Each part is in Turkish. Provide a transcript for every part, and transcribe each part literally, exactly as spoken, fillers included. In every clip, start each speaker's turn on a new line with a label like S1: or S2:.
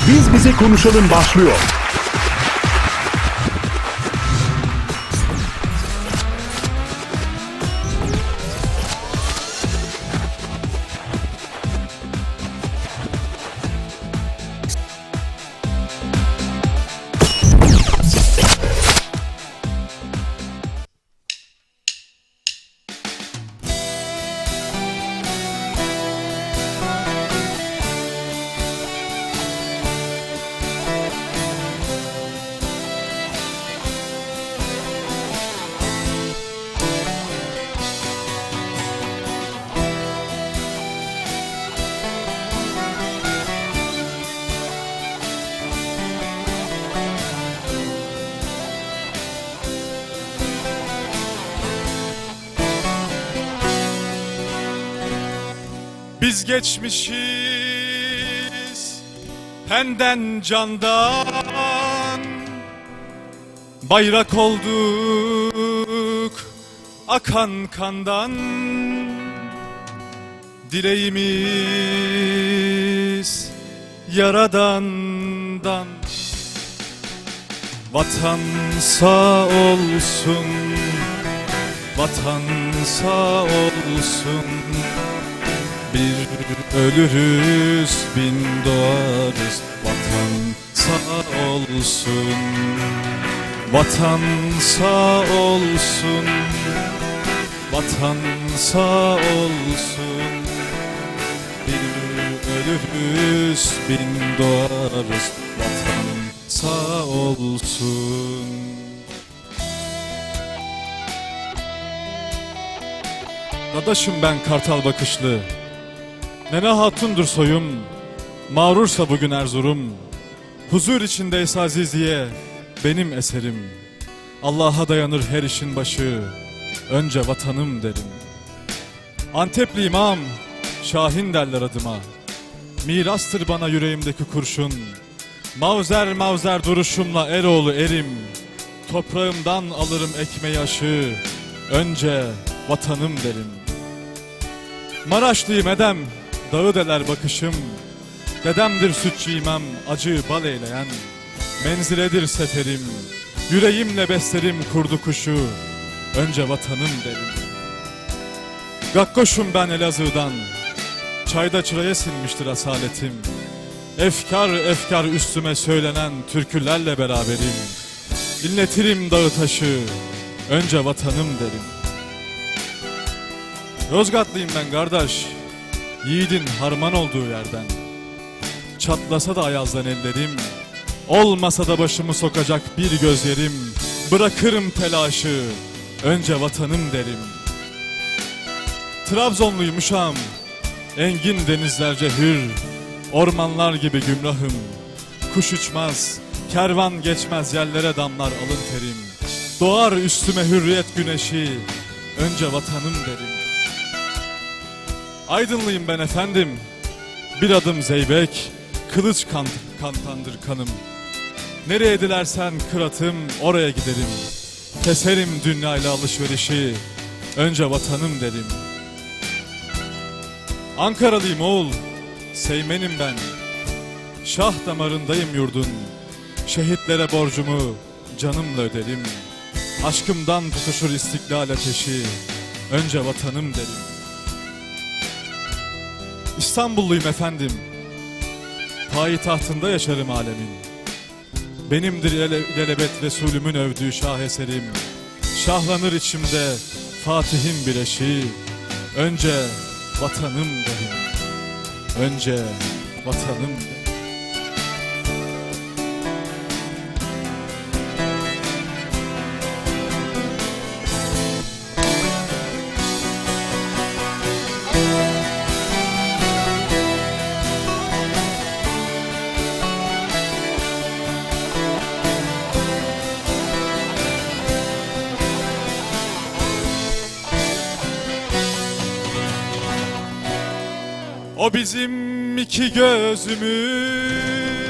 S1: Biz Bize Konuşalım başlıyor.
S2: Biz geçmişiz penden candan, bayrak olduk akan kandan. Dileğimiz Yaradan'dan, vatan sağ olsun, vatan sağ olsun. Bir ölürüz, bin doğarız. Vatan sağ olsun, vatan sağ olsun, vatan sağ olsun. Bir ölürüz, bin doğarız. Vatan sağ olsun. Dadaşım ben kartal bakışlı, Nene hatundur soyum, mağrursa bugün Erzurum. Huzur içindeyse Aziziye benim eserim. Allah'a dayanır her işin başı, önce vatanım derim. Antepli imam, Şahin derler adıma. Mirastır bana yüreğimdeki kurşun. Mavzer mavzer duruşumla Eroğlu erim. Toprağımdan alırım ekmeği aşı, önce vatanım derim. Maraşlıyım edem, dağı deler bakışım. Dedemdir sütçü imam, acı bal eyleyen. Menziledir seferim, yüreğimle beslerim kurdu kuşu, önce vatanım derim. Gakkoşum ben Elazığ'dan, çayda çıraya sinmiştir asaletim. Efkar efkar üstüme söylenen türkülerle beraberim. İnletirim dağı taşı, önce vatanım derim. Yozgatlıyım ben kardeş, yiğidin harman olduğu yerden. Çatlasa da ayazdan ellerim, olmasa da başımı sokacak bir gözlerim. Bırakırım telaşı, önce vatanım derim. Trabzonluyum uşağım, engin denizlerce hür. Ormanlar gibi gümrahım, kuş uçmaz, kervan geçmez, yerlere damlar alın terim. Doğar üstüme hürriyet güneşi, önce vatanım derim. Aydınlıyım ben efendim, bir adım zeybek, kılıç kan, kantandır kanım. Nereye dilersen kıratım, oraya giderim. Keserim dünyayla alışverişi, önce vatanım derim. Ankaralıyım oğul, Seymenim ben. Şah damarındayım yurdun. Şehitlere borcumu canımla öderim. Aşkımdan tutuşur istiklal ateşi, önce vatanım derim. İstanbulluyum efendim, payitahtında yaşarım alemin. Benimdir ilelebet Resulümün övdüğü şaheserim. Şahlanır içimde Fatih'in bir eşiği, önce vatanım derim. Önce vatanım derim. O bizim iki gözümüz,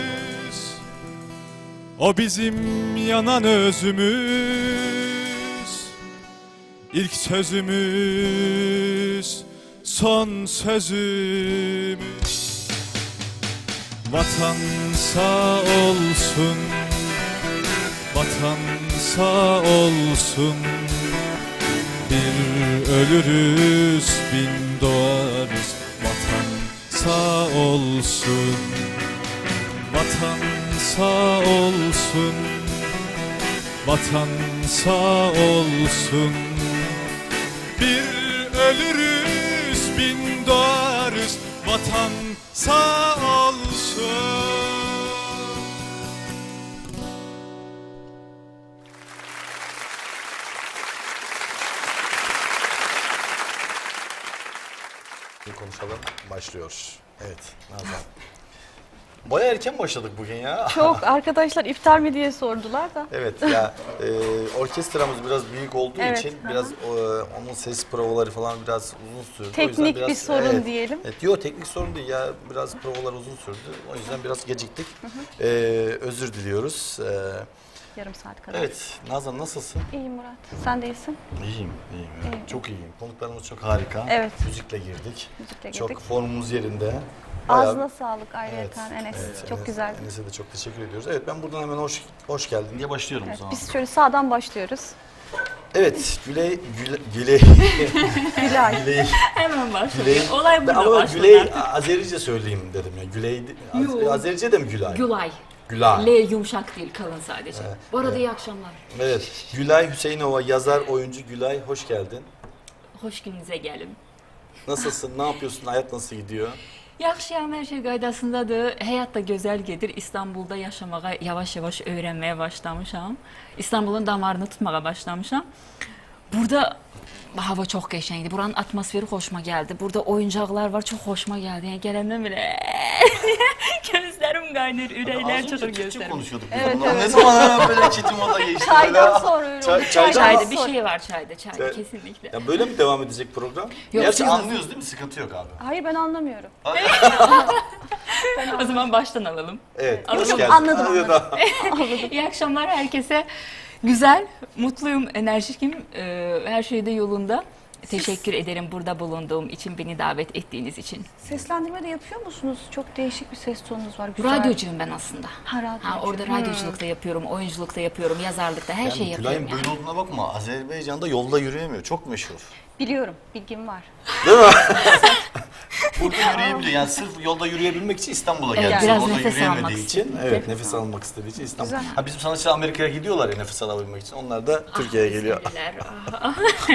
S2: o bizim yanan özümüz. İlk sözümüz, son sözümüz. Vatan sağ olsun, vatan sağ olsun. Bir ölürüz, bin doğarız. Vatan sağ olsun, vatan sağ olsun, vatan sağ olsun. Bir ölürüz, bin doğarız. Vatan sağ olsun.
S3: Bir konuşalım başlıyor. Evet Nazan. Baya erken başladık bugün ya.
S4: Çok arkadaşlar iftar mı diye sordular da.
S3: Evet ya e, orkestramız biraz büyük olduğu
S4: Evet,
S3: için
S4: hı hı.
S3: biraz e, onun ses provaları falan biraz uzun sürdü. O
S4: Teknik
S3: yüzden biraz,
S4: bir sorun
S3: evet,
S4: diyelim.
S3: Evet, yok teknik sorun değil ya biraz provalar uzun sürdü. O yüzden biraz geciktik. E, özür diliyoruz. E,
S4: Yarım saat kadar.
S3: evet Nazan nasılsın?
S4: İyiyim Murat. Sen de iyisin.
S3: İyiyim, iyiyim. evet.
S4: İyiyim.
S3: Çok iyiyim. Konuklarımız çok harika.
S4: Evet.
S3: Müzikle girdik.
S4: Müzikle
S3: Çok
S4: girdik.
S3: formumuz yerinde. Bayağı-
S4: Ağzına sağlık ayrıyeten Enes. Çok
S3: Enes-
S4: güzel.
S3: Enes'e de çok teşekkür ediyoruz. Evet ben buradan hemen hoş hoş geldin diye başlıyorum o
S4: Evet,
S3: zaman.
S4: biz şöyle sağdan başlıyoruz.
S3: Evet, Güley Güley Güley
S4: Gülay.
S3: Güley
S5: Hemen başlıyor.
S3: Güley.
S5: Olay
S3: Ben
S5: burada
S3: ama
S5: başladı.
S3: Güley Azerice söyleyeyim dedim ya. Güley Az,
S5: Yo.
S3: Azerice de mi Gülay?
S5: Gülay.
S3: Gülay.
S5: L yumuşak değil, kalın sadece.
S3: Evet,
S5: Bu arada
S3: evet.
S5: iyi akşamlar.
S3: Evet. Gülay Hüseyinova yazar, oyuncu Gülay hoş geldin.
S5: Hoş gününüze gelin.
S3: Nasılsın? Ne yapıyorsun? Hayat nasıl gidiyor?
S5: Yaxşıyam, her şey qaydasındadır. Həyat da gözəl gedir. İstanbulda yaşamağa yavaş-yavaş öyrənməyə başlamışam. İstanbulun damarını tutmağa başlamışam. Burada hava çox qəşəngdir. Buranın atmosferi xoşuma gəldi. Burada oyuncaqlar var, çox xoşuma gəldi. Yəni gələndən belə gözlərim qaynır, ürəklər
S3: Az
S5: çıxır
S3: önce Türkçe
S5: gözlərim.
S3: konuşuyorduk.
S4: Evet,
S3: Bundan
S4: evet.
S3: Ne zaman böyle çetin moda geçti
S4: Çaydan
S3: böyle?
S4: sonra öyle
S3: Çay-
S4: oldu.
S3: çaydan-
S5: Çayda bir
S4: sonra.
S5: şey var çayda, çayda
S3: Çay-
S5: kesinlikle.
S3: Ya böyle mi devam edecek program?
S5: Yok,
S3: Gerçi
S5: yok.
S3: anlıyoruz değil mi? Sıkıntı yok abi.
S4: Hayır ben anlamıyorum.
S5: O zaman baştan alalım.
S3: Evet.
S5: Anladım,
S3: Hoş geldin.
S4: anladım,
S3: Anladım.
S5: İyi akşamlar herkese. Güzel, mutluyum, enerjikim, e, her şey de yolunda. Teşekkür ederim burada bulunduğum için, beni davet ettiğiniz için.
S4: Seslendirme de yapıyor musunuz? Çok değişik bir ses tonunuz var. Güzel.
S5: Radyocuyum ben aslında.
S4: Ha, radyocu.
S5: Ha, orada
S4: Hmm.
S5: radyoculukta yapıyorum, oyunculukta yapıyorum, yazarlıkta her
S3: Yani
S5: şeyi yapıyorum.
S3: Gülay'ın
S5: Yani.
S3: böyle olduğuna bakma. Azerbaycan'da yolda yürüyemiyor. Çok meşhur.
S4: Biliyorum. Bilgim var.
S3: Değil mi? Burada yürüyebiliyor. Yani sırf yolda yürüyebilmek için İstanbul'a
S5: Evet,
S3: geldi.
S5: biraz
S3: Orada
S5: nefes
S3: yürüyemediği
S5: almak
S3: için.
S5: istedim.
S3: Evet,
S5: Nefes
S3: nefes almak istediği için İstanbul.
S4: Güzel.
S3: Ha, bizim sanatçılar Amerika'ya gidiyorlar ya nefes alabilmek için. Onlar da Türkiye'ye geliyor.
S5: Sevgiler. Ah.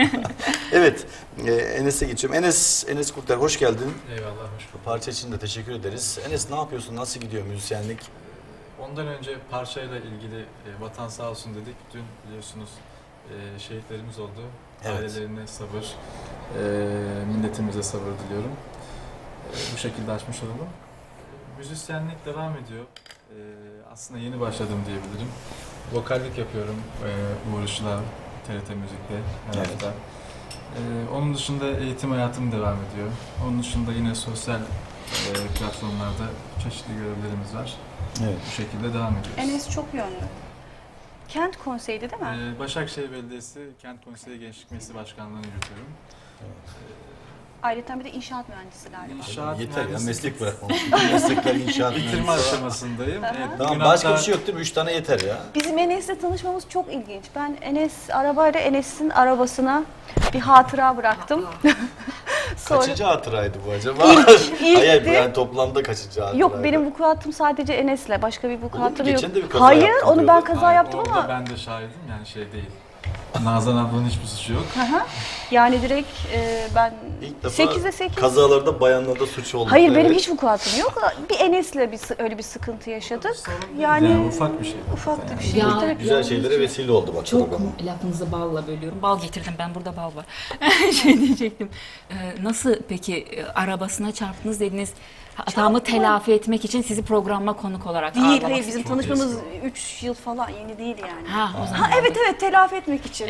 S3: Evet, e, Enes'e geçiyorum. Enes, Enes Kurtlar hoş geldin.
S6: Eyvallah, hoş bulduk.
S3: Parça için de teşekkür ederiz. Enes ne yapıyorsun? Nasıl gidiyor müzisyenlik?
S6: Ondan önce parçayla ilgili e, vatan sağ olsun dedik. Dün biliyorsunuz e, şehitlerimiz oldu.
S3: Evet.
S6: Ailelerine sabır, e, milletimize sabır diliyorum. E, bu şekilde açmış olalım. E, müzisyenlik devam ediyor. E, aslında yeni başladım diyebilirim. Vokallik yapıyorum e, Uğur Işıl'a, T R T Müzik'te her
S3: Evet.
S6: hafta. E, onun dışında eğitim hayatım devam ediyor. Onun dışında yine sosyal e, platformlarda çeşitli görevlerimiz var.
S3: Evet.
S6: Bu şekilde devam ediyoruz.
S4: Enes çok yönlü. Kent konseydi değil mi?
S6: Ee, Başakşehir Belediyesi Kent Konseyi Gençlik Meclisi Başkanlığı'nı yürütüyorum.
S4: Ayrıca bir de inşaat mühendisi galiba.
S6: İnşaat
S3: Yeter ya
S6: mühendisliği
S3: meslek bırakmamış. Meslekler inşaat.
S6: bitirme
S3: mühendisi.
S6: aşamasındayım. Evet,
S3: Tamam
S6: bugün
S3: başka
S6: hatta-
S3: bir şey yok değil mi? Üç tane yeter ya.
S4: Bizim Enes'le tanışmamız çok ilginç. Ben Enes arabayla Enes'in arabasına bir hatıra bıraktım. Sonra
S3: Kaçıncı hatıraydı bu acaba?
S4: İlk, ilkti.
S3: Hayır yani toplamda kaçıncı hatıraydı?
S4: Yok benim vukuatım sadece Enes'le. Başka bir vukuatım yok.
S3: geçen de bir kaza
S4: Hayır
S3: yaptın
S4: onu ben
S3: diyordun.
S4: kaza
S6: Hayır,
S4: yaptım
S6: orada
S4: ama
S6: ben de şahidim yani şey değil. Nazan ablanın hiçbir suçu yok.
S4: yani direkt e, ben
S3: İlk defa
S4: sekize sekiz.
S3: kazalarda bayanlarda suç oldu.
S4: Hayır benim
S3: Evet.
S4: hiç vukuatım yok. Bir Enes'le bir sı- öyle bir sıkıntı yaşadık.
S6: Sorun değil.
S4: Yani,
S6: Yani ufak bir şey.
S4: ufak da bir şey.
S5: Ya,
S4: Tabii.
S3: Güzel şeylere vesile oldu bak
S5: Çok
S3: programı.
S5: lafınızı balla bölüyorum. Bal getirdim ben, burada bal var. şey diyecektim. Ee, nasıl peki e, arabasına çarptınız dediniz. Hatamı
S4: Çarpma.
S5: telafi etmek için sizi programa konuk olarak
S4: Değil
S5: ağırlamak
S4: hayır bizim
S6: Çok
S4: tanışmamız üç yıl falan yeni değil yani.
S5: Ha, o zaman.
S4: Ha evet evet telafi etmek için.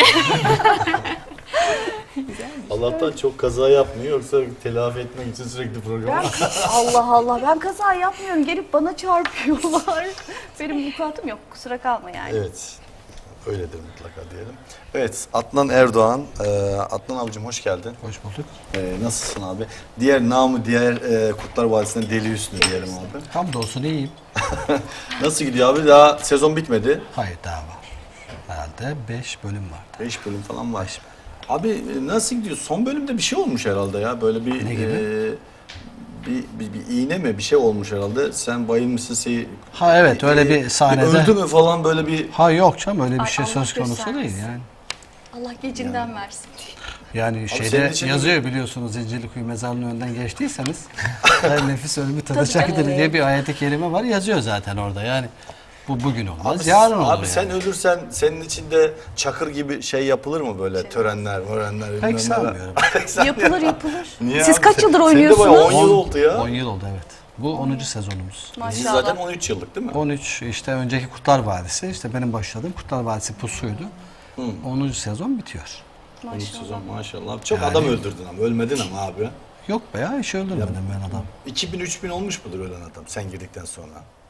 S3: Allah'tan çok kaza yapmıyor yoksa telafi etmek için sürekli program.
S4: Ben Allah Allah ben kaza yapmıyorum gelip bana çarpıyorlar. Benim vukuatım yok kusura kalma yani.
S3: Evet. Öyledir mutlaka diyelim. Evet, Adnan Erdoğan. Ee, Adnan abicim hoş geldin.
S7: Hoş bulduk.
S3: Ee, nasılsın abi? Diğer namı diğer e, Kurtlar Vadisi'nden Deli Hüsnü diyelim abi.
S7: Hamdolsun iyiyim.
S3: Nasıl gidiyor abi? Daha sezon bitmedi.
S7: Hayır daha var. Herhalde beş bölüm var.
S3: beş bölüm falan var. Abi e, nasıl gidiyor? Son bölümde bir şey olmuş herhalde ya. Böyle bir
S7: Ne gibi?
S3: e, bir, bir, bir iğne mi bir şey olmuş herhalde. Sen bayılmışsın. Şey,
S7: Ha evet öyle bir sahnede.
S3: Öldü mü falan böyle bir...
S7: Ha yok canım öyle bir
S4: Ay,
S7: şey
S4: Allah
S7: söz konusu
S4: göstermesin.
S7: değil yani.
S4: Allah gecinden versin.
S7: Yani
S3: senin
S7: şeyde
S3: için-
S7: yazıyor biliyorsunuz Zincirlikuyu mezarlığının önünden geçtiyseniz her nefis ölümü
S4: Tabii,
S7: tadacaktır
S4: tabii.
S7: diye bir ayet-i kerime var yazıyor zaten orada yani. Bu bugün olmaz,
S3: Abi,
S7: yarın olur
S3: abi
S7: yani.
S3: sen ölürsen senin içinde Çakır gibi şey yapılır mı böyle törenler, mörenler? bilmem neler?
S7: Pek sanmıyorum.
S4: Yapılır yapılır.
S3: Niye
S4: Siz
S3: abi?
S4: kaç yıldır
S3: Senin de
S4: oynuyorsunuz?
S3: bayağı on yıl oldu ya.
S7: on yıl oldu evet. Bu onuncu sezonumuz.
S3: Dizi
S4: Maşallah.
S3: zaten on üç yıllık değil mi?
S7: on üç işte önceki Kurtlar Vadisi işte benim başladığım Kurtlar Vadisi Pusu'ydu. onuncu sezon bitiyor.
S3: on üç sezon maşallah. Çok
S7: Yani-
S3: adam öldürdün ama ölmedin ama abi.
S7: Yok be ya hiç öldürmedim ben adam.
S3: iki bin üç bin olmuş mudur ölen adam sen girdikten sonra?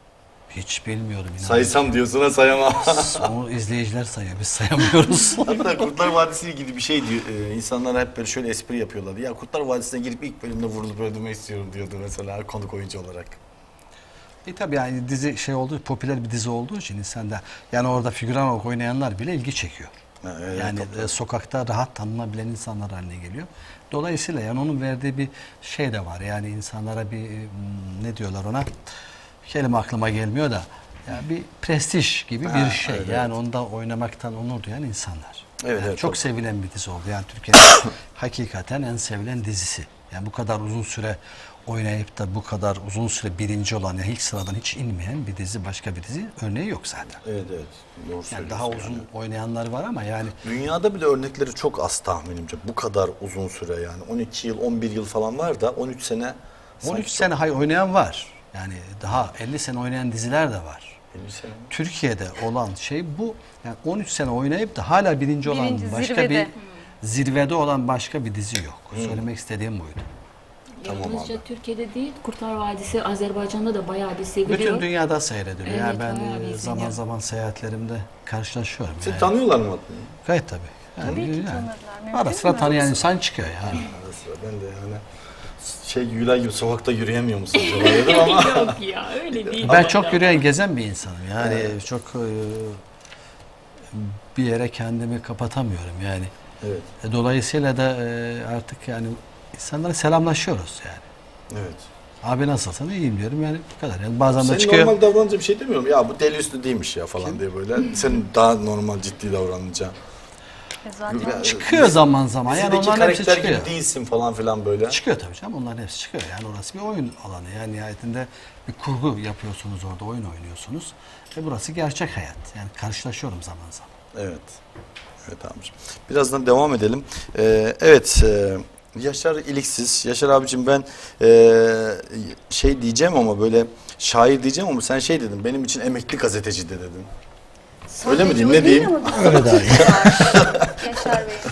S7: Hiç bilmiyorum inan.
S3: Saysam diyorsun ha sayamam.
S7: Onu izleyiciler sayıyor biz sayamıyoruz.
S3: Hatta Kurtlar Vadisi ile ilgili bir şey diyor. Ee, insanlar hep böyle şöyle espri yapıyorlardı. Ya Kurtlar Vadisi'ne girip ilk bölümde vurulup öldürmek istiyorum diyordu mesela konuk oyuncu olarak.
S7: E tabii yani dizi şey oldu, popüler bir dizi olduğu için insanda yani orada figüran olarak oynayanlar bile ilgi çekiyor.
S3: Ha, evet,
S7: yani
S3: tabii.
S7: e, sokakta rahat tanınabilen insanlar haline geliyor. Dolayısıyla yani onun verdiği bir şey de var. Yani insanlara bir hmm, ne diyorlar ona? Kelime aklıma gelmiyor da yani bir prestij gibi
S3: Ha,
S7: bir şey.
S3: evet,
S7: yani onda oynamaktan onur duyan insanlar.
S3: Evet,
S7: Yani
S3: evet,
S7: çok
S3: tabii.
S7: sevilen bir dizi oldu. Yani Türkiye'nin hakikaten en sevilen dizisi. Yani bu kadar uzun süre oynayıp da bu kadar uzun süre birinci olan yani ilk sıradan hiç inmeyen bir dizi, başka bir dizi örneği yok zaten.
S3: Evet evet. Doğru
S7: Yani
S3: söylüyorsun.
S7: daha uzun
S3: yani.
S7: oynayanlar var ama yani
S3: Dünyada bile örnekleri çok az tahminimce. Bu kadar uzun süre yani. on iki yıl, on bir yıl falan var da on üç sene.
S7: on
S3: sanki
S7: üç sene hay oynayan var. Yani daha elli sene oynayan diziler de var.
S3: çok- elli sene.
S7: Türkiye'de olan şey bu. Yani on üç sene oynayıp da hala birinci olan
S4: Birinci,
S7: başka
S4: zirvede.
S7: bir zirvede olan başka bir dizi yok. Söylemek istediğim buydu.
S3: Tamam
S5: Yalnızca
S3: abi.
S5: Türkiye'de değil, Kurtlar Vadisi Azerbaycan'da da bayağı bir seviliyor.
S7: Bütün dünyada seyrediliyor.
S5: Evet,
S7: yani ben
S5: bayağı bir
S7: e, zaman
S5: izleniyor.
S7: zaman seyahatlerimde karşılaşıyorum.
S3: Seni
S7: yani.
S3: tanıyorlar mı Adnan?
S7: Gayet tabii. Yani,
S4: Tabii ki
S7: yani
S4: tanırlar. Mümkün
S7: Ara sıra
S4: mü?
S7: tanıyan insan çıkıyor yani.
S3: Ara sıra ben de yani şey Gülay gibi sokakta yürüyemiyor musun acaba dedim ama.
S5: Yok ya öyle değil.
S7: Ben çok yürüyen, gezen bir insanım. Yani çok e, bir yere kendimi kapatamıyorum yani.
S3: Evet.
S7: E, Dolayısıyla da e, artık yani insanlara selamlaşıyoruz yani.
S3: Evet.
S7: Abi nasılsın? İyiyim diyorum yani bu kadar. Yani bazen de
S3: Senin
S7: çıkıyor.
S3: normal davranınca bir şey demiyorum. Ya bu deli üstü değilmiş ya falan diye böyle. Senin daha normal ciddi davranınca.
S4: E zaten
S7: Çıkıyor zaman zaman. Yani
S3: Dizideki
S7: onların hepsi
S3: karakter
S7: çıkıyor.
S3: gibi değilsin falan filan böyle.
S7: Çıkıyor tabii canım. Onların hepsi çıkıyor. Yani orası bir oyun alanı. Yani nihayetinde bir kurgu yapıyorsunuz orada. Oyun oynuyorsunuz. Ve burası gerçek hayat. Yani karşılaşıyorum zaman zaman.
S3: Evet. Evet abicim. Birazdan devam edelim. Ee, evet. E, Yaşar İliksiz. Yaşar abicim ben e, şey diyeceğim ama böyle şair diyeceğim ama sen şey dedin. Benim için emekli gazeteci de dedin. Öyle mi diyeyim, ne diyeyim?
S7: Öyle daha iyi.
S4: Yaşar Bey.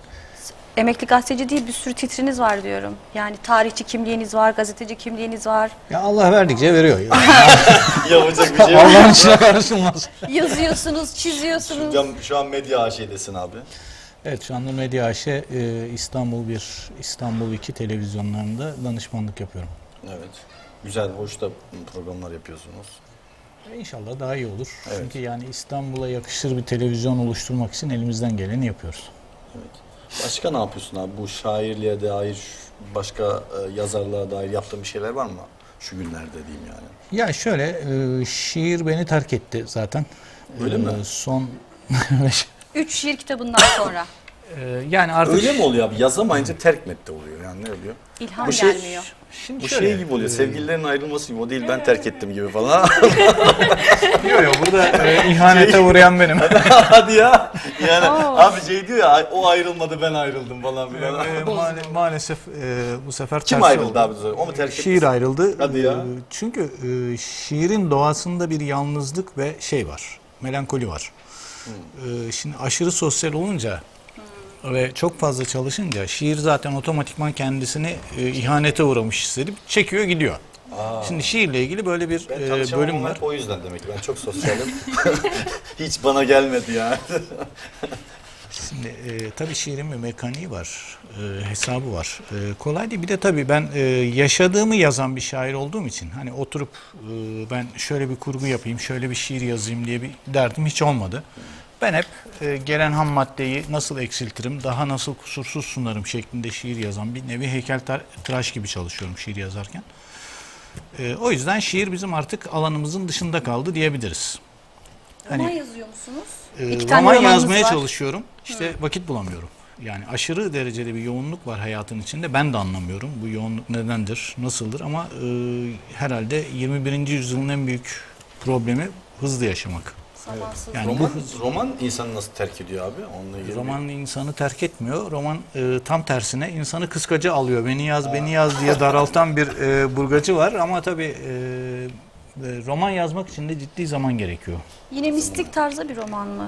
S4: Emekli gazeteci değil bir sürü titriniz var diyorum. Yani tarihçi kimliğiniz var, gazeteci kimliğiniz var.
S8: Ya Allah verdikçe veriyor.
S3: Yapacak bir şey yok.
S8: Allah'ın işine karışılmaz.
S4: Yazıyorsunuz, çiziyorsunuz.
S3: Şu an, şu an medya A Ş'desin abi.
S8: Evet şu anda Medya A Ş e, İstanbul bir, İstanbul iki televizyonlarında danışmanlık yapıyorum.
S3: Evet. Güzel, hoş da programlar yapıyorsunuz.
S8: E, İnşallah daha iyi olur.
S3: Evet.
S8: Çünkü yani İstanbul'a yakışır bir televizyon oluşturmak için elimizden geleni yapıyoruz.
S3: Başka ne yapıyorsun abi? Bu şairliğe dair, başka e, yazarlığa dair yaptığın bir şeyler var mı? Şu günlerde diyeyim yani.
S8: Ya şöyle e, şiir beni terk etti zaten.
S3: Öyle
S8: E,
S3: mi?
S8: Son
S4: Üç şiir kitabından sonra.
S8: e, yani artık
S3: Öyle mi oluyor abi? Yazamayınca terk metti oluyor. Yani ne oluyor?
S4: İlham
S3: Bu şey-
S4: gelmiyor.
S8: Şimdi
S3: Bu
S8: şöyle,
S3: şey gibi oluyor.
S8: e,
S3: Sevgililerin ayrılması gibi. O değil ben terk ettim gibi falan.
S8: Yok yok burada e, ihanete uğrayan benim.
S3: Hadi ya. Yani
S4: Oo.
S3: abi şey diyor ya o ayrılmadı ben ayrıldım falan filan.
S8: E, maal- maalesef e, bu sefer
S3: Kim
S8: tersi
S3: ayrıldı
S8: oldu.
S3: abi? O mu terk etti?
S8: Şiir ayrıldı.
S3: Hadi ya.
S8: Ee, Çünkü e, şiirin doğasında bir yalnızlık ve şey var. Melankoli var. Ee, Şimdi aşırı sosyal olunca ve çok fazla çalışınca şiir zaten otomatikman kendisini e, ihanete uğramış hissedip çekiyor gidiyor. Şimdi şiirle ilgili böyle bir
S3: Ben
S8: e,
S3: tanışamam
S8: bölüm
S3: ama
S8: var.
S3: hep o yüzden demek ki. Ben çok sosyalim. Hiç bana gelmedi ya.
S8: Şimdi e, tabii şiirin bir mekaniği var, e, hesabı var. E, kolay değil. Bir de tabii ben e, yaşadığımı yazan bir şair olduğum için hani oturup e, ben şöyle bir kurgu yapayım, şöyle bir şiir yazayım diye bir derdim hiç olmadı. Ben hep e, gelen ham maddeyi nasıl eksiltirim, daha nasıl kusursuz sunarım şeklinde şiir yazan bir nevi heykeltıraş gibi çalışıyorum şiir yazarken. E, o yüzden şiir bizim artık alanımızın dışında kaldı diyebiliriz.
S4: Roman
S8: Hani-
S4: yazıyor musunuz?
S8: Ee,
S4: İki tane
S8: roman
S4: romanınız
S8: yazmaya
S4: var.
S8: çalışıyorum. İşte vakit bulamıyorum. Yani aşırı derecede bir yoğunluk var hayatın içinde. Ben de anlamıyorum bu yoğunluk nedendir, nasıldır ama e, herhalde yirmi birinci yüzyılın en büyük problemi hızlı yaşamak.
S4: Zamansız.
S8: Yani
S3: roman,
S8: bu hız,
S3: roman insanı nasıl terk ediyor abi? Onunla ilgili.
S8: roman insanı terk etmiyor. Roman e, tam tersine insanı kıskacı alıyor. Beni yaz, beni yaz diye daraltan bir e, burgacı var ama tabii e, e, roman yazmak için de ciddi zaman gerekiyor.
S4: Yine mistik tarzda bir roman mı?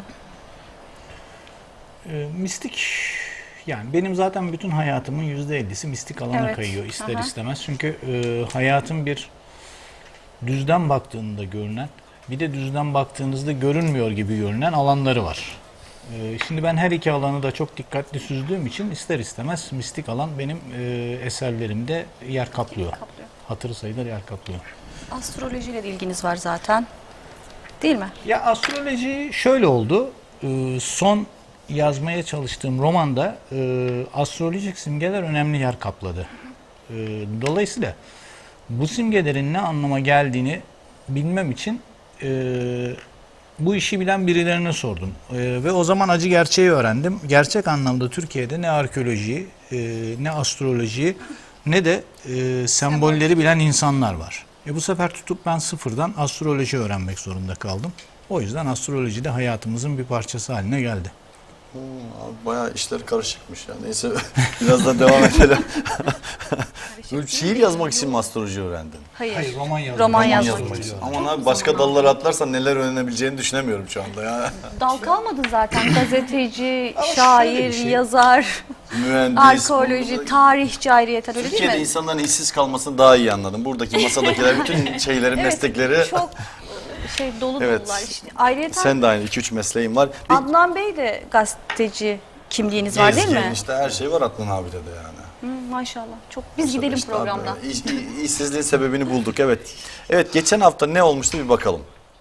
S8: E, mistik yani benim zaten bütün hayatımın yüzde ellisi mistik alana
S4: Evet.
S8: kayıyor ister
S4: Aha.
S8: istemez. Çünkü e, hayatın bir düzden baktığında görünen bir de düzden baktığınızda görünmüyor gibi görünen alanları var. E, şimdi ben her iki alanı da çok dikkatli süzdüğüm için ister istemez mistik alan benim e, eserlerimde yer kaplıyor.
S4: Kaplıyor.
S8: Hatırı sayılır yer kaplıyor.
S4: Astrolojiyle de ilginiz var zaten. Değil mi?
S8: Ya astroloji şöyle oldu. Ee, son yazmaya çalıştığım romanda e, astrolojik simgeler önemli yer kapladı. Ee, dolayısıyla bu simgelerin ne anlama geldiğini bilmem için e, bu işi bilen birilerine sordum. E, ve o zaman acı gerçeği öğrendim. Gerçek anlamda Türkiye'de ne arkeolojiyi, e, ne astrolojiyi ne de e, sembolleri bilen insanlar var. E bu sefer tutup ben sıfırdan astroloji öğrenmek zorunda kaldım. O yüzden astroloji de hayatımızın bir parçası haline geldi.
S3: Hmm, abi bayağı işler karışıkmış ya. Neyse birazdan devam edelim. Böyle şiir yazmak için mi astroloji öğrendin?
S4: Hayır.
S8: Hayır, roman yazmak.
S4: Roman
S8: Roman
S4: yazmak
S8: yazmak
S4: için.
S3: Aman abi başka dallara atlarsan neler öğrenebileceğini düşünemiyorum şu anda ya.
S4: Dal kalmadı zaten. Gazeteci,
S8: şöyle
S4: şair,
S8: bir şey.
S4: yazar,
S3: Mühendis.
S4: arkeoloji,
S3: burada-
S4: tarihçi ayrıyeten öyle değil
S3: Türkiye'de
S4: mi?
S3: insanların işsiz kalmasını daha iyi anladım. Buradaki masadakiler bütün şeyleri, meslekleri.
S4: Çok e, şey dolu
S3: Evet.
S4: dolular işte. Ayrıyeten
S3: Sen de aynı iki üç mesleğin var. Bir
S4: Adnan Bey de gazeteci kimliğiniz var değil mi?
S3: gezgin işte her şey var Adnan abide de yani.
S4: Hı, maşallah. Çok biz gidelim
S3: İşte
S4: programdan.
S3: abi, iş- iş- işsizliğin sebebini bulduk evet. Evet geçen hafta ne olmuştu bir bakalım.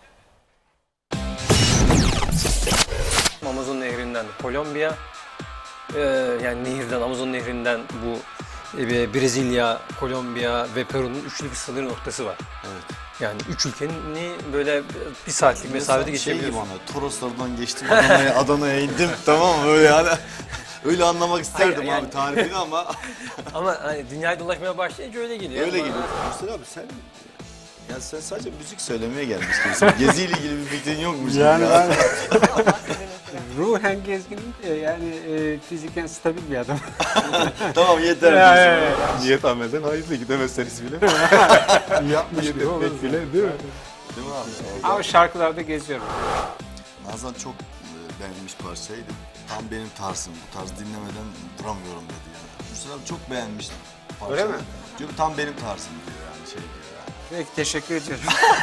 S9: Amazon nehrinden Kolombiya, e, yani nehirden, Amazon nehrinden bu e, Brezilya, Kolombiya ve Peru'nun üçlü bir sınır noktası var.
S3: Evet.
S9: Yani üç ülkenin böyle bir saatlik mesafede geçebiliyorsun.
S3: Şey gibi ana, Toroslardan geçtim Adana'ya, Adana'ya indim tamam mı öyle yani. Öyle anlamak isterdim
S9: Hayır, yani-
S3: abi tarifini ama
S9: Ama hani dünyayı dolaşmaya başlayınca öyle geliyor.
S3: öyle
S9: Ama-
S3: geliyor. Mustafa abi sen ya sen sadece müzik söylemeye gelmiştin. Geziyle ilgili bir fikrin yokmuş.
S10: Yani
S3: ya.
S10: ben ruhen gezginim de yani e, fiziken stabil bir adam.
S3: Tamam yeter.
S10: Ya,
S3: diyorsun.
S10: ya, ya.
S1: Niyet ameden hayırlı gidemezseniz bile.
S10: Yapmış
S1: Niyet
S10: gibi olur.
S1: etmek bile değil mi?
S3: Değil mi abi?
S10: Ama şarkılarda geziyorum.
S3: Nazan çok e, beğenmiş parçaydı. Tam benim tarzım. Bu tarz dinlemeden duramıyorum dedi yani. Mustafa abi çok beğenmiş parçayı.
S10: Öyle mi?
S3: Diyor tam benim tarzım diyor yani şey diyor yani.
S10: Peki teşekkür ediyorum.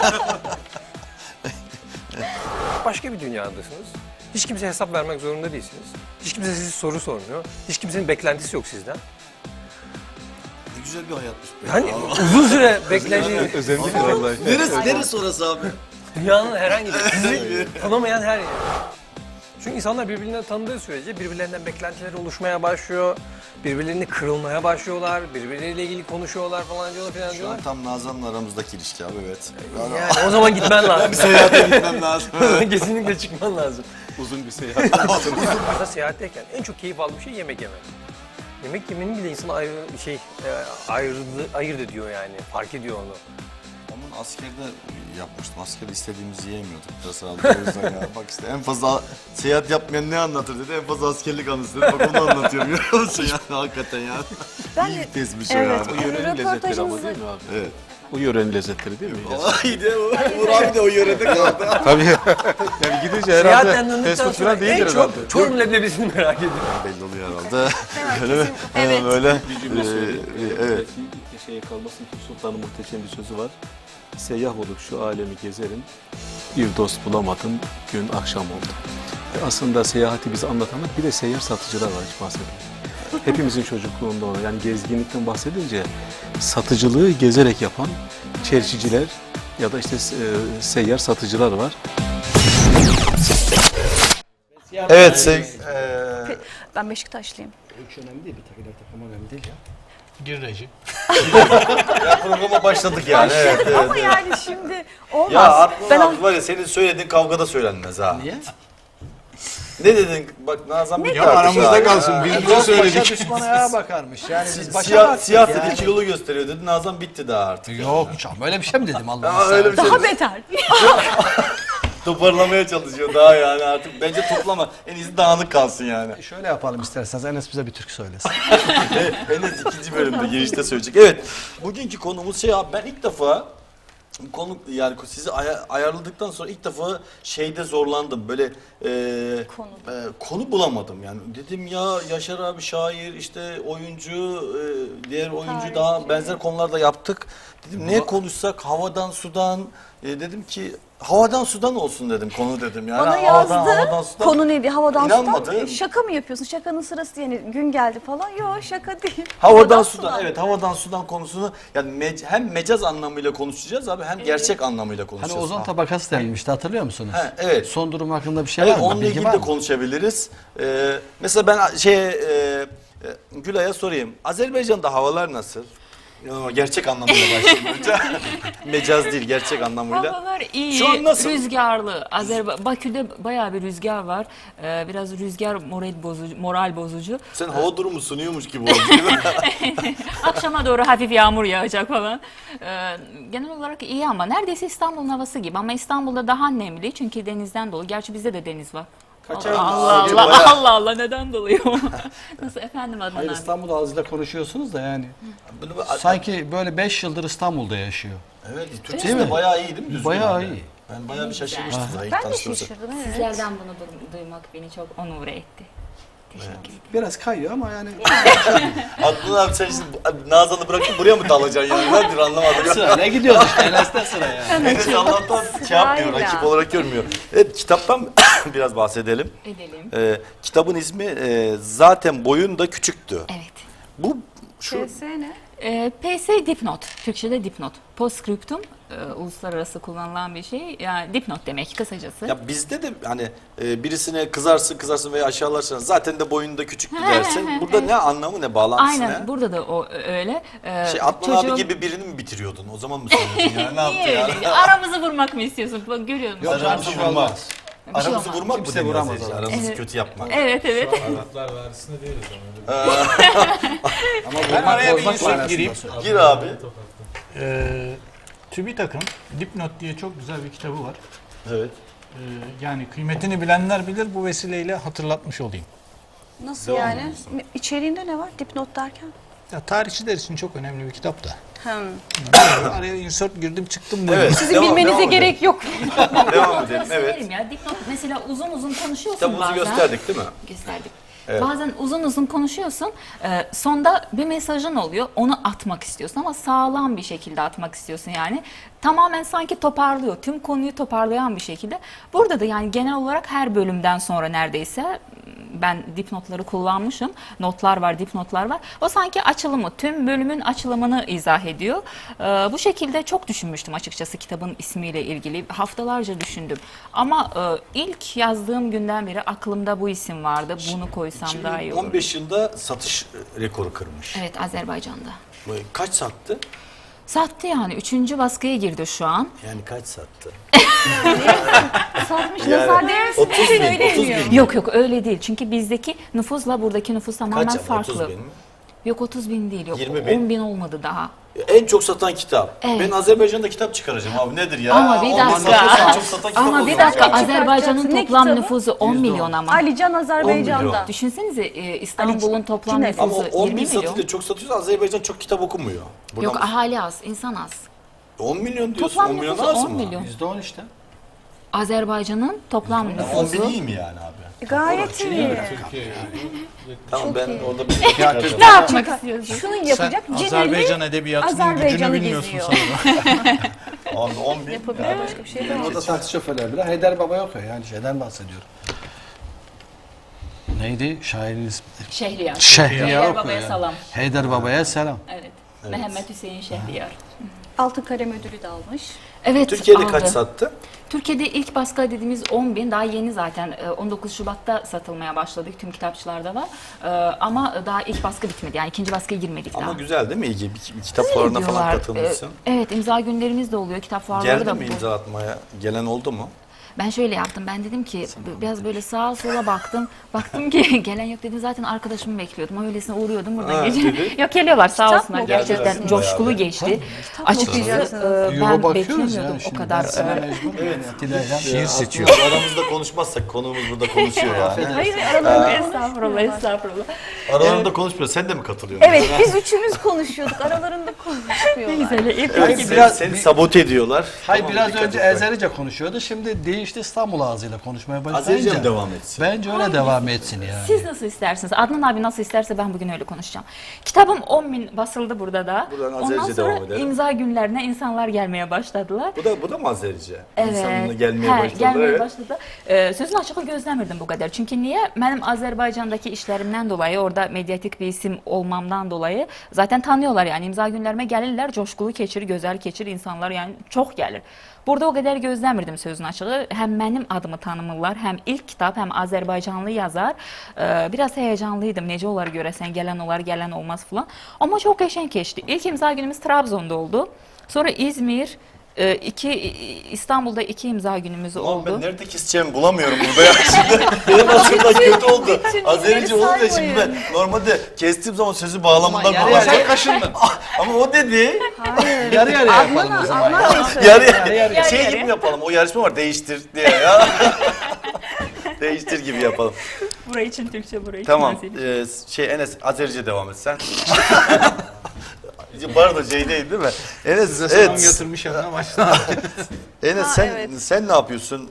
S9: Başka bir dünyadasınız. Hiç kimseye hesap vermek zorunda değilsiniz. Hiç kimse size soru sormuyor. Hiç kimsenin beklentisi yok sizden.
S3: Ne güzel bir hayatmış be.
S9: Yani
S3: Aa,
S9: uzun süre beklediğiniz
S1: Özendik vallahi.
S3: neresi, neresi orası abi?
S9: dünyanın herhangi bir sizi tanımayan her yer. Çünkü insanlar birbirlerini tanıdığı sürece birbirlerinden beklentileri oluşmaya başlıyor. Birbirlerini kırılmaya başlıyorlar. Birbirleriyle ilgili konuşuyorlar falan diyorlar falan
S3: Şu
S9: diyorlar.
S3: an tam Nazan'la aramızdaki ilişki abi evet.
S9: Yani o zaman gitmen lazım.
S3: Seyahate gitmem lazım.
S9: Kesinlikle çıkman lazım.
S1: Uzun bir seyahat.
S9: Mesela seyahatteyken en çok keyif aldığım şey yemek yemek. Yemek yemenin bile insanı ayrı şey e, ayrı ayırt ediyor yani. Fark ediyor onu.
S3: Onun askerde yapmıştım. Askerde istediğimizi yiyemiyorduk. Biraz herhalde o yüzden ya. Bak işte en fazla seyahat yapmayan ne anlatır dedi. En fazla askerlik anısı dedi. Bak onu anlatıyorum. Görüyor musun ya? Hakikaten ya.
S4: Ben
S3: İyi
S4: de-
S3: bir tezmiş o
S4: Evet.
S3: yani.
S1: O yörenin lezzetleri ama değil mi abi?
S3: Evet.
S1: O yörenin lezzetleri değil mi?
S3: Vay de Uğur abi de o yörede kaldı.
S1: Tabii. Yani gidince
S9: Seyahatten
S1: herhalde
S9: döndükten
S1: fast food
S9: sonra
S1: falan değildir
S9: en
S1: herhalde.
S9: çok Çorum leblebisini merak ediyorum.
S3: Belli oluyor herhalde.
S4: Evet.
S3: Öyle mi?
S4: Evet.
S3: Hemen böyle.
S1: Bir cümle
S3: Ee,
S1: söyleyeyim.
S3: evet.
S1: şeye kalmasın ki Sultan'ın muhteşem bir sözü var. Seyyah olup şu alemi gezerim, bir dost bulamadım, gün akşam oldu. E aslında seyahati bize anlatanlar bir de seyyar satıcılar var hiç bahsetmiyor. Hepimizin çocukluğunda olan yani gezginlikten bahsedince satıcılığı gezerek yapan çerçiciler ya da işte e, seyyar satıcılar var.
S3: Evet sev, eee,
S4: Ben Beşiktaşlıyım.
S7: Üç önemli değil, bir takılar takım önemli değil ya.
S8: Gir reji.
S3: ya programa başladık yani. Evet, evet,
S4: Ama
S3: evet.
S4: yani şimdi olmaz.
S3: Ya Artman
S4: ben
S3: abi var ya senin söylediğin kavgada söylenmez ha.
S7: Niye?
S3: Ne dedin? Bak Nazan bitti
S8: Ya
S3: artık
S8: aramızda
S3: ha.
S8: kalsın,
S3: Ya.
S8: biz
S7: Dost
S8: bunu
S7: başa
S8: söyledik.
S7: düşman ayağa bakarmış. Yani biz başa
S3: Siyah,
S7: baktık
S3: siyah
S7: yani.
S3: dedi kilolu gösteriyor dedi. Nazan bitti daha artık.
S7: Yok hiç ama öyle bir şey mi dedim Allah
S3: Aa,
S7: Allah.
S3: öyle bir şey
S4: daha beter.
S3: toparlamaya çalışıyor daha yani artık. Bence toplama. En iyisi dağınık kalsın yani.
S7: Şöyle yapalım isterseniz Enes bize bir türkü söylesin.
S3: Enes ikinci bölümde girişte söyleyecek. Evet. Bugünkü konumuz şey abi ben ilk defa konu yani sizi aya- ayarladıktan sonra ilk defa şeyde zorlandım. Böyle e,
S4: Konu.
S3: e, konu bulamadım yani. Dedim ya Yaşar abi şair işte oyuncu e, diğer oyuncu
S4: Tarihçi.
S3: daha benzer konularda yaptık. Dedim ne konuşsak havadan sudan e, dedim ki havadan sudan olsun dedim konu dedim yani.
S4: Bana
S3: havadan,
S4: yazdı.
S3: havadan sudan.
S4: Konu neydi? Havadan
S3: İnanmadı.
S4: sudan. E, Şaka mı yapıyorsun? Şakanın sırası yani gün geldi falan. Yok şaka değil.
S3: Havadan sudan, evet havadan sudan konusunu yani mec- hem mecaz anlamıyla konuşacağız abi hem gerçek anlamıyla
S7: Hani
S3: konuşacağız.
S7: ozon
S3: Ha.
S7: tabakası denilmişti hatırlıyor musunuz?
S3: He, evet.
S7: Son durum hakkında bir şey
S3: Evet
S7: var mı?
S3: onunla
S7: Bilgi
S3: ilgili
S7: var
S3: de
S7: mı?
S3: konuşabiliriz. Ee, mesela ben şey e, e, Gülay'a sorayım. Azerbaycan'da havalar nasıl? Yo, gerçek anlamıyla başlayayım önce. Mecaz değil gerçek anlamıyla.
S5: Havalar iyi,
S3: Şu an nasıl?
S5: rüzgarlı. Azerba Bakü'de bayağı bir rüzgar var. Ee, biraz rüzgar moral bozucu. Moral bozucu.
S3: Sen hava durumu sunuyormuş gibi oldun değil mi?
S5: Akşama doğru hafif yağmur yağacak falan. Ee, genel olarak iyi ama neredeyse İstanbul'un havası gibi. Ama İstanbul'da daha nemli çünkü denizden dolu. Gerçi bizde de deniz var.
S3: Kaç
S5: Allah
S3: ay-
S5: Allah
S3: Acaba
S5: Allah,
S3: ya?
S5: Allah Allah neden doluyor? Nasıl efendim Adnan
S7: Hayır
S5: abi?
S7: İstanbul ağzıyla konuşuyorsunuz da yani.
S3: Bunu bir-
S7: Sanki böyle beş yıldır İstanbul'da yaşıyor.
S3: Evet Türkçesi de bayağı iyi değil mi? Düzgün
S7: Bayağı
S3: halde.
S7: iyi.
S3: Ben bayağı bir şaşırmıştım. zaten ilk
S4: Ben de
S3: tanıştığımızda.
S4: şaşırdım. Evet.
S5: Sizlerden bunu du- duymak beni çok onur etti. Teşekkür ederim.
S7: Biraz kayıyor ama yani
S3: Adnan abi sen şimdi Nazan'ı bırakıp buraya mı dalacaksın yani? Nedir anlamadım. ya.
S7: sıra ne gidiyoruz işte Enes'ten sıra yani.
S3: Enes Allah'tan şey yapmıyor,
S4: Sırayla.
S3: rakip olarak görmüyor. Evet, kitaptan biraz bahsedelim.
S5: Edelim.
S3: Ee, kitabın ismi e, zaten boyun da küçüktü.
S5: Evet.
S3: Bu şu
S4: P S ne?
S5: Ee, P S dipnot. Türkçe'de dipnot. Postscriptum e, uluslararası kullanılan bir şey. Yani dipnot demek kısacası.
S3: ya bizde de hani e, birisine kızarsın kızarsın veya aşağılarsın zaten de boyun da küçüktü dersin. Burada ne anlamı ne bağlantısı
S5: Aynen
S3: ne?
S5: burada da o öyle. Ee,
S3: Şey Adnan
S5: çocuğun-
S3: abi gibi birini mi bitiriyordun? O zaman mı söyledin yani? Ne yaptı
S5: Niye
S3: ya?
S5: öyle? Aramızı vurmak mı istiyorsun? Bak görüyor musun?
S7: Yok,
S3: Aramızı
S7: bir şey
S3: vurmak.
S7: olmaz.
S5: Bir şey
S3: Aramızı
S5: olmaz.
S3: vurmak mı
S7: Kimse
S3: deniyor
S7: vuramaz
S3: Azizciğim?
S7: adamı.
S3: Aramızı
S5: Evet.
S3: kötü yapmak.
S5: Evet evet.
S6: Taraflar varisinde değiliz ama öyle
S7: Ama
S8: Ben
S7: vurmak
S8: araya bir
S7: bozmak
S8: insert
S7: manasında
S8: gireyim.
S7: söylüyor.
S3: Gir abi.
S8: Ee, TÜBİTAK'ın Dipnot diye çok güzel bir kitabı var.
S3: Evet.
S8: Ee, yani kıymetini bilenler bilir, bu vesileyle hatırlatmış olayım.
S4: Nasıl
S3: Devam
S4: yani?
S3: ediyorsun.
S4: Ne- İçeriğinde ne var? Dipnot derken?
S8: Ya tarihçiler için çok önemli bir kitap da.
S4: Hmm.
S8: Araya insert girdim çıktım böyle.
S3: Evet.
S4: Sizin
S3: devam-
S4: bilmenize
S3: devam
S4: gerek yok.
S3: edelim. Devam edelim. Evet.
S5: Söylerim ya. Dipnot mesela uzun uzun konuşuyorsun
S3: Kitabımızı
S5: bazen.
S3: gösterdik değil mi?
S5: Gösterdik.
S3: Evet.
S5: Bazen uzun uzun konuşuyorsun. E, sonda bir mesajın oluyor. Onu atmak istiyorsun ama sağlam bir şekilde atmak istiyorsun yani. Tamamen sanki toparlıyor. Tüm konuyu toparlayan bir şekilde. Burada da yani genel olarak her bölümden sonra neredeyse ben dipnotları kullanmışım. Notlar var, dipnotlar var. O sanki açılımı, tüm bölümün açılımını izah ediyor. Ee, bu şekilde çok düşünmüştüm açıkçası kitabın ismiyle ilgili. Haftalarca düşündüm. Ama e, ilk yazdığım günden beri aklımda bu isim vardı. Bunu koysam daha iyi olur.
S3: on beş yılda satış rekoru kırmış.
S5: Evet, Azerbaycan'da.
S3: Kaç sattı?
S5: Sattı yani. Üçüncü baskıya girdi şu an.
S3: Yani kaç sattı?
S4: Satmış
S3: Yani
S4: nazar değmesin.
S3: otuz bin, otuz bin.
S5: Yok yok öyle değil. Çünkü bizdeki nüfusla buradaki nüfus tamamen
S3: Kaç ama?
S5: farklı.
S3: otuz bin mi?
S5: Yok otuz bin değil. Yok
S3: yirmi bin.
S5: on bin olmadı daha.
S3: En çok satan kitap.
S5: Evet.
S3: Ben Azerbaycan'da kitap çıkaracağım abi nedir ya?
S5: Ama bir
S3: on bin
S5: dakika.
S3: satıyorsan en çok satan kitap
S5: Ama
S3: o
S5: bir
S3: zaman
S5: dakika
S3: yani.
S5: Azerbaycan'ın
S4: Ne
S5: toplam
S4: kitabı?
S5: nüfusu on
S3: Yüzde on.
S5: milyon ama.
S4: Alican Azerbaycan'da.
S3: milyon.
S5: Düşünsenize e, İstanbul'un
S4: Ali-
S5: toplam
S4: Cine-
S5: nüfusu
S3: Ama on
S5: yirmi
S3: bin
S5: milyon.
S3: satınca çok satıyorsa Azerbaycan çok kitap okumuyor. Buradan
S5: Yok ahali az, insan az.
S3: on milyon diyorsun.
S5: Toplam
S3: on milyon
S5: nüfusu
S3: az
S5: on
S3: mı?
S5: milyon.
S7: yüzde on işte.
S5: Azerbaycan'ın toplam
S3: on bin
S5: nüfusu
S3: iyi mi yani abi?
S4: Gayet iyi.
S3: Tamam ben
S4: iyi.
S3: orada bir
S5: Ne yapmak istiyorsun?
S4: Şunu yapacak.
S8: Sen
S4: Cineli
S8: Azerbaycan edebiyatının gücünü
S4: Azerbaycan'ı
S8: bilmiyorsun
S4: geziyor.
S8: sanırım.
S3: on, on bin.
S4: Yapabilir, başka bir şey yapamaz.
S7: Orada taksi şoförleri bile Haydar Baba okuyor yani şeyden bahsediyorum. Neydi şairin ismi?
S5: Şehriyar.
S7: Şehriyar
S5: Şehriyar
S7: okuyor
S5: Baba'ya
S7: yani.
S5: salam.
S7: Haydar Baba'ya selam.
S5: Evet. Mehmet Hüseyin Şehriyar.
S4: Altın Kalem ödülü de almış.
S5: Evet,
S3: Türkiye'de
S5: aldı.
S3: kaç sattı?
S5: Türkiye'de ilk baskı dediğimiz on bin, daha yeni zaten e, on dokuz Şubat'ta satılmaya başladık, tüm kitapçılarda var. E, Ama daha ilk baskı bitmedi, yani ikinci baskıya girmedik
S3: Ama
S5: daha.
S3: güzel değil mi? İyi, bir, bir kitap fuarına falan
S5: Diyorlar.
S3: katılmışsın.
S5: E, Evet, imza günlerimiz de oluyor, kitap fuarları
S3: Geldi
S5: da.
S3: mi
S5: bu-
S3: imza atmaya? Gelen oldu mu?
S5: Ben şöyle yaptım, ben dedim ki b- biraz böyle sağa sola baktım. Baktım ki gelen yok dedim, zaten arkadaşımı bekliyordum. Öylesine uğruyordum buradan
S3: Ha,
S5: gece.
S3: dedi.
S5: Yok, geliyorlar sağ
S4: Kitap
S5: olsunlar,
S4: mı
S5: gerçekten
S3: okuyorsunuz
S5: coşkulu
S3: bayağı?
S5: geçti.
S4: mı
S5: Açıkçası
S4: okuyacaksınız?
S5: e,
S7: Yola
S5: ben
S7: bakıyoruz
S5: beklemiyordum
S7: ya
S5: o
S7: şimdi.
S5: kadar.
S7: Ben sana
S5: e,
S7: mecbur evet. Atilla'yla
S3: Şiir
S7: şiir
S3: seçiyor.
S7: seçiyor.
S3: Aramızda konuşmazsak konuğumuz burada konuşuyor yani.
S4: Hayır, aralarında
S5: Estağfurullah, estağfurullah.
S3: Aralarında konuşmuyor. Sen de mi katılıyorsun?
S4: Evet, biz üçümüz konuşuyorduk. Aralarında konuşmuyorlar.
S5: Güzel, ilk
S3: Yani
S7: Peki,
S3: seni,
S7: biraz-
S3: seni sabote ediyorlar.
S7: Hayır
S3: Tamam,
S7: biraz
S3: dikkat
S7: önce
S3: et bak.
S7: Ezerice konuşuyordu. Şimdi değişti İstanbul ağzıyla konuşmaya başlayınca.
S3: Azerice mi devam etsin?
S7: Bence öyle devam etsin yani.
S5: Siz nasıl istersiniz? Adnan abi nasıl isterse ben bugün öyle konuşacağım. Kitabım on bin basıldı burada da.
S3: Buradan
S5: Ondan
S3: Azerice
S5: sonra
S3: devam edelim.
S5: imza günlerine insanlar gelmeye başladılar.
S3: Bu da bu da mı Azerice?
S5: Evet.
S3: İnsanına gelmeye
S5: Hə,
S3: başladı.
S5: Gəlməyə
S3: Evet.
S5: başladı. Ee, sözün açığı gözləmirdim bu qədər. Çünki niyə? Mənim Azərbaycandakı işlərimdən dolayı, orada mediatik bir isim olmamdan dolayı zaten tanıyorlar yani. İmza günlərime gəlirlər, coşkulu keçir, gözəl keçir, insanlar yani çox gəlir. Burada o qədər gözləmirdim sözün açığı. Həm mənim adımı tanımırlar, həm ilk kitab, həm Azərbaycanlı yazar. Ee, biraz heyecanlıydım. Necə olar görəsən, gələn olar, gələn olmaz falan. Amma çox qəşəng keçdi. İlk imza günümüz Trabzon'da oldu. Sonra İzmir, e, iki İstanbul'da iki imza günümüz
S3: Ulan
S5: oldu.
S3: ben nerede keseceğimi bulamıyorum burada ya. Şimdi benim aslında kötü oldu. Azerice olunca şimdi ben normalde kestiğim zaman sözü bağlamından
S7: Ama yarı
S3: kullanacağım.
S7: yarıya kaşındın.
S3: Ama o dedi.
S7: Yarı yarıya yapalım o
S4: Adnan,
S7: zaman.
S4: Adnan Bey söyledi.
S3: Yarı yarı.
S5: Yarı
S3: Şey
S5: yarı.
S3: gibi yapalım. O yarışma var değiştir diye ya. Değiştir gibi yapalım.
S5: Burayı için Türkçe, burayı için
S3: Tamam.
S5: Azeri.
S3: Ee, şey Enes Azerice devam et sen. Bu arada şey değil değil mi? Enes
S8: Size selam
S3: evet.
S8: götürmüş yanına başla.
S3: Enes
S4: Ha,
S3: sen
S4: evet.
S3: sen ne yapıyorsun?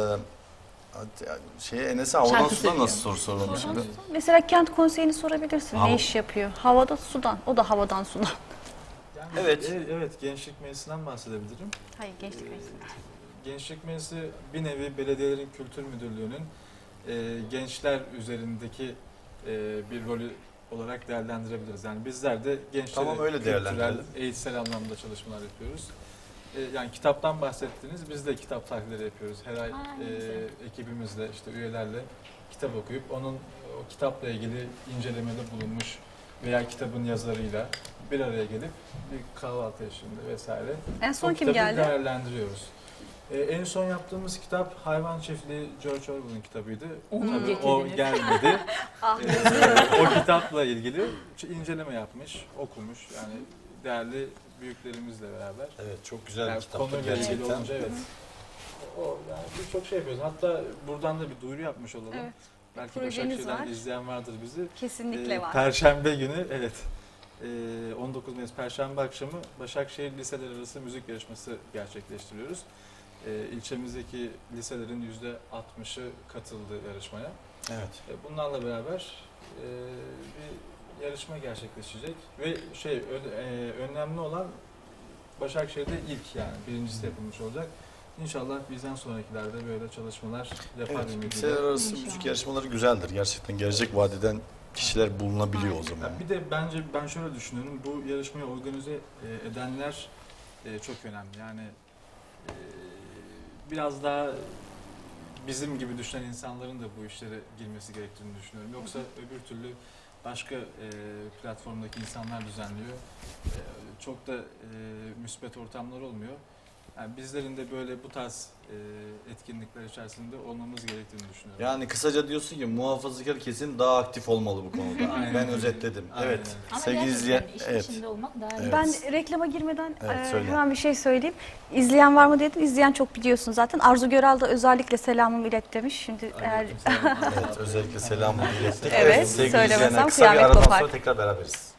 S3: Ee, şey Enes'e havadan
S5: Şarkı
S3: sudan nasıl
S5: söylüyor.
S3: soru soralım şimdi?
S4: Mesela kent konseyini sorabilirsin.
S3: Hava-
S4: Ne iş yapıyor? Havada sudan. O da havadan sudan.
S6: Yani,
S3: Evet.
S6: e- Evet, Gençlik Meclisi'nden bahsedebilirim.
S4: Hayır, geçtik.
S6: Gençlik Meclisi bir nevi belediyelerin kültür müdürlüğünün e, gençler üzerindeki e, bir rolü olarak değerlendirebiliriz. Yani bizler de gençlere
S3: Tamam, öyle
S6: kültürel,
S3: değerlendirelim.
S6: eğitsel anlamda çalışmalar yapıyoruz. E, yani kitaptan bahsettiniz, biz de kitap tahlilleri yapıyoruz. Her ay
S5: Ha, ne
S6: e,
S5: güzel.
S6: ekibimizle, işte üyelerle kitap okuyup onun o kitapla ilgili incelemede bulunmuş veya kitabın yazarıyla bir araya gelip bir kahvaltı eşliğinde vesaire
S4: En son
S6: o
S4: kim
S6: kitabı
S4: geldi?
S6: değerlendiriyoruz. Ee, en son yaptığımız kitap Hayvan Çiftliği, George Orwell'ın kitabıydı.
S5: Onu
S6: Tabii o
S5: getirdiniz.
S6: gelmedi.
S4: Ah,
S6: Ee, o kitapla ilgili ç- inceleme yapmış, okumuş. Yani değerli büyüklerimizle beraber.
S3: Evet çok güzel
S6: Yani
S3: bir kitap
S6: konuyla ilgili
S3: gerçekten.
S6: olunca evet. O yani birçok şey yapıyoruz. Hatta buradan da bir duyuru yapmış olalım.
S4: Evet.
S6: Belki
S4: Projeniz
S6: Başakşehir'den
S4: var.
S6: izleyen vardır bizi.
S4: kesinlikle
S6: Ee,
S4: var.
S6: Perşembe günü evet. Ee, on dokuz Mayıs Perşembe akşamı Başakşehir liseler arası müzik yarışması gerçekleştiriyoruz. Ee, ilçemizdeki liselerin yüzde altmışı katıldı yarışmaya.
S3: Evet.
S6: Ee, bunlarla beraber e, bir yarışma gerçekleşecek ve şey ö- e, önemli olan Başakşehir'de ilk yani birincisi yapılmış olacak. İnşallah bizden sonrakilerde böyle çalışmalar yapar
S3: Evet,
S6: ümidiyle.
S3: liseler arası müzik yarışmaları güzeldir. Gerçekten gelecek vadeden kişiler bulunabiliyor o zaman.
S6: Ya bir de bence ben şöyle düşünüyorum, bu yarışmayı organize e, edenler e, çok önemli. Yani e, biraz daha bizim gibi düşünen insanların da bu işlere girmesi gerektiğini düşünüyorum. Yoksa öbür türlü başka e, platformdaki insanlar düzenliyor. E, çok da e, müspet ortamlar olmuyor. Yani bizlerin de böyle bu tarz e, etkinlikler içerisinde olmamız gerektiğini düşünüyorum.
S3: Yani kısaca diyorsun ki muhafazakar kesim daha aktif olmalı bu konuda.
S6: Aynen
S3: ben
S6: öyle.
S3: özetledim.
S6: Aynen
S3: Evet.
S6: öyle.
S5: Ama
S3: Sevgili
S5: gerçekten
S3: izleyen,
S5: işin
S3: evet.
S5: içinde olmak daha iyi.
S3: Evet.
S4: Ben reklama girmeden
S3: Evet,
S4: e,
S3: söyle.
S4: hemen bir şey söyleyeyim. İzleyen var mı dedim. İzleyen çok biliyorsun zaten. Arzu Göral da özellikle selamımı ilet demiş. Şimdi eğer
S6: Aleykümselam.
S3: Evet, özellikle selamı ilettik.
S4: Evet,
S3: sevgili
S4: söylemesem
S3: izleyenler, kısa bir
S4: kıyamet
S3: aradan
S4: kopar.
S3: sonra tekrar beraberiz.